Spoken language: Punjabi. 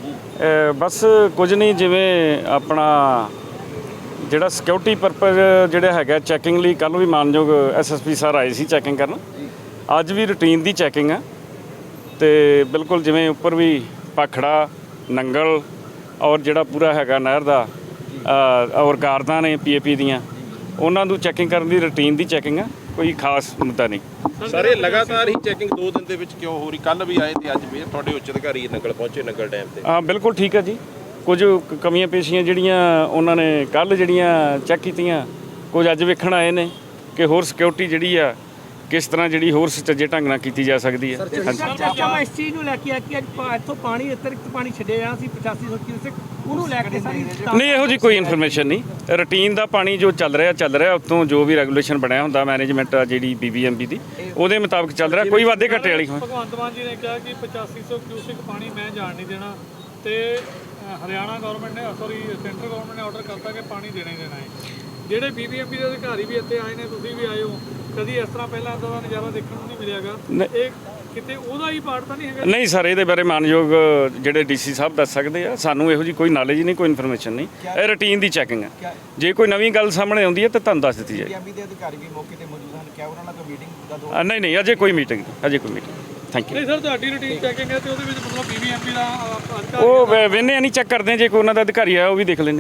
ਬਸ ਕੁਝ ਨਹੀਂ, ਜਿਵੇਂ ਆਪਣਾ ਜਿਹੜਾ ਸਿਕਿਉਰਿਟੀ ਪਰਪਸ ਜਿਹੜਾ ਹੈਗਾ ਚੈਕਿੰਗ ਲਈ ਕੱਲ੍ਹ ਵੀ ਮਾਨਯੋਗ ਐਸਐਸਪੀ ਸਰ ਆਏ ਸੀ ਚੈਕਿੰਗ ਕਰਨ। ਅੱਜ ਵੀ ਰੂਟੀਨ ਦੀ ਚੈਕਿੰਗ ਆ ਅਤੇ ਬਿਲਕੁਲ ਜਿਵੇਂ ਉੱਪਰ ਵੀ ਭਾਖੜਾ ਨੰਗਲ ਔਰ ਜਿਹੜਾ ਪੂਰਾ ਹੈਗਾ ਨਹਿਰ ਦਾ ਔਰ ਕਾਰਦਾਂ ਨੇ ਪੀਏਪੀ ਦੀਆਂ, ਉਹਨਾਂ ਨੂੰ ਚੈਕਿੰਗ ਕਰਨ ਦੀ ਰੂਟੀਨ ਦੀ ਚੈਕਿੰਗ ਆ, ਕੋਈ ਖਾਸ ਮੁੱਦਾ ਨਹੀਂ। ਸਰ ਇਹ ਲਗਾਤਾਰ ਹੀ ਚੈਕਿੰਗ 2 ਦਿਨ ਦੇ ਵਿੱਚ ਕਿਉਂ ਹੋ ਰਹੀ? ਕੱਲ੍ਹ ਵੀ ਆਏ ਤੇ ਅੱਜ ਵੀ ਤੁਹਾਡੇ ਉੱਚ ਅਧਿਕਾਰੀ ਨੰਗਲ ਪਹੁੰਚੇ, ਨੰਗਲ ਡੈਮ ਤੇ। ਹਾਂ ਬਿਲਕੁਲ ਠੀਕ ਹੈ ਜੀ। ਕੁਝ ਕਮੀਆਂ ਪੇਸ਼ੀਆਂ ਜਿਹੜੀਆਂ ਉਹਨਾਂ ਨੇ ਕੱਲ੍ਹ ਜਿਹੜੀਆਂ ਚੈੱਕ ਕੀਤੀਆਂ, ਕੁਝ ਅੱਜ ਵੇਖਣ ਆਏ ਨੇ ਕਿ ਹੋਰ ਸਿਕਿਉਰਿਟੀ ਜਿਹੜੀ ਆ ਕਿਸ ਤਰ੍ਹਾਂ ਜਿਹੜੀ ਹੋਰ ਸੁਚੱਜੇ ਢੰਗ ਨਾਲ ਕੀਤੀ ਜਾ ਸਕਦੀ ਹੈ। ਮੈਂ ਇਸ ਚੀਜ਼ ਨੂੰ ਲੈ ਕੇ ਆ ਕਿ ਅੱਜ ਇੱਥੋਂ ਪਾਣੀ ਅਤਿਰਿਕਤ ਪਾਣੀ ਛੱਡਿਆ ਜਾਣਾ ਸੀ 8500 ਕਿਊਸੈਕ, ਉਹਨੂੰ ਲੈ ਕੇ ਸਾਰੀ ਨਹੀਂ, ਇਹੋ ਜਿਹੀ ਕੋਈ ਇਨਫੋਰਮੇਸ਼ਨ ਨਹੀਂ। ਰੂਟੀਨ ਦਾ ਪਾਣੀ ਜੋ ਚੱਲ ਰਿਹਾ ਉੱਤੋਂ ਜੋ ਵੀ ਰੈਗੂਲੇਸ਼ਨ ਬਣਿਆ ਹੁੰਦਾ ਮੈਨੇਜਮੈਂਟ ਆ ਜਿਹੜੀ BBMP ਦੀ, ਉਹਦੇ ਮੁਤਾਬਕ ਚੱਲ ਰਿਹਾ, ਕੋਈ ਵਾਧੇ ਘਾਟੇ ਵਾਲੀ। ਭਗਵੰਤ ਮਾਨ ਜੀ ਨੇ ਕਿਹਾ ਕਿ 8500 ਕਿਊਸੈਕ ਪਾਣੀ ਮੈਂ ਜਾਣ ਨਹੀਂ ਦੇਣਾ, ਤੇ ਹਰਿਆਣਾ ਗਵਰਨਮੈਂਟ ਨੇ ਸੈਂਟਰ ਗਵਰਨਮੈਂਟ ਨੇ ਆਰਡਰ ਕਰਤਾ ਕਿ ਪਾਣੀ ਦੇਣਾ ਹੀ ਦੇਣਾ ਹੈ। ਜਿਹੜੇ BBMP ਦੇ ਅਧਿਕਾਰੀ ਵੀ ਇੱਥੇ ਆਏ ਨੇ, ਤੁਸੀਂ ਵੀ ਆਏ ਹੋ, ਕਦੀ ਇਸ ਤਰ੍ਹਾਂ ਪਹਿਲਾਂ ਇੱਦਾਂ ਦਾ ਨਜ਼ਾਰਾ ਦੇਖਣ ਨੂੰ ਨਹੀਂ ਮਿਲਿਆਗਾ। ਇਹ ਕਿਤੇ ਉਹਦਾ ਹੀ ਪਾਰਟ ਤਾਂ ਨਹੀਂ ਹੈਗਾ? ਨਹੀਂ ਸਰ, ਇਹਦੇ ਬਾਰੇ ਮਾਨਯੋਗ ਜਿਹੜੇ DC ਸਾਹਿਬ ਦੱਸ ਸਕਦੇ ਆ, ਸਾਨੂੰ ਇਹੋ ਜਿਹੀ ਕੋਈ ਨੌਲੇਜ ਨਹੀਂ, ਕੋਈ ਇਨਫੋਰਮੇਸ਼ਨ ਨਹੀਂ। ਇਹ ਰੂਟੀਨ ਦੀ ਚੈਕਿੰਗ ਹੈ, ਜੇ ਕੋਈ ਨਵੀਂ ਗੱਲ ਸਾਹਮਣੇ ਆਉਂਦੀ ਹੈ ਤਾਂ ਤੁਹਾਨੂੰ ਦੱਸ ਦਿੱਤੀ ਜਾਏਗੀ। BBMP ਦੇ ਅਧਿਕਾਰੀ ਵੀ ਮੌਕੇ ਤੇ ਮੌਜੂਦ ਹਨ, ਕਿਆ ਉਹਨਾਂ ਨਾਲ ਕੋਈ ਮੀਟਿੰਗ ਦਾ ਨਹੀਂ, ਅਜੇ ਕੋਈ ਮੀਟਿੰਗ ਨਹੀਂ। Thank you. ਨਹੀਂ ਸਰ, ਤੁਹਾਡੀ ਰੂਟੀਨ ਚੈਕਿੰਗ ਹੈ ਤੇ ਉਹਦੇ ਵਿੱਚ ਮਤਲਬ BBMP ਦਾ ਉਹ ਵੇਖਦੇ ਆ, ਨਹੀਂ ਚੈੱਕ ਕਰਦੇ, ਜੇ ਕੋਈ ਉਹਨਾਂ ਦਾ ਅਧਿਕਾਰੀ ਆ ਉਹ ਵੀ ਦੇਖ ਲੈਂਦੇ।